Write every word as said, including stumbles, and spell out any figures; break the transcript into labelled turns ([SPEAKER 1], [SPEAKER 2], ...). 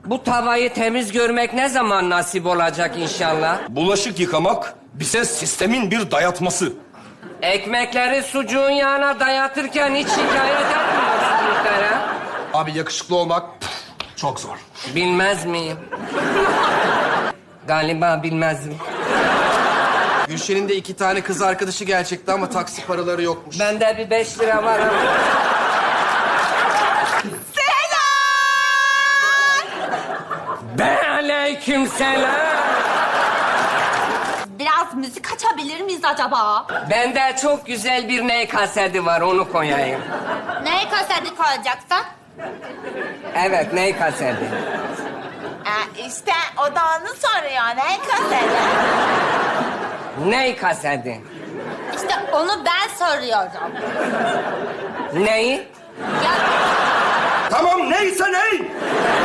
[SPEAKER 1] Bu tavayı temiz görmek ne zaman nasip olacak inşallah?
[SPEAKER 2] Bulaşık yıkamak bize sistemin bir dayatması.
[SPEAKER 1] Ekmekleri sucuğun yağına dayatırken hiç şikayet etmiyorsun muhterem.
[SPEAKER 3] Abi yakışıklı olmak çok zor.
[SPEAKER 1] Bilmez miyim? Galiba bilmezdim.
[SPEAKER 3] Gülşen'in de iki tane kız arkadaşı gelecekti ama taksi paraları yokmuş.
[SPEAKER 1] Bende bir beş lira var ama. Be aleyküm selam.
[SPEAKER 4] Biraz müzik açabilir miyiz acaba?
[SPEAKER 1] Bende çok güzel bir ney kaseti var, onu koyayım.
[SPEAKER 4] Ne kaseti koyacaksın?
[SPEAKER 1] Evet, ney kaseti.
[SPEAKER 4] Ee, işte o da onu soruyor. Ne kaseti?
[SPEAKER 1] Ney kaseti.
[SPEAKER 4] İşte onu ben soruyorum.
[SPEAKER 1] Neyi?
[SPEAKER 4] Ya
[SPEAKER 2] Tamam neyse ney.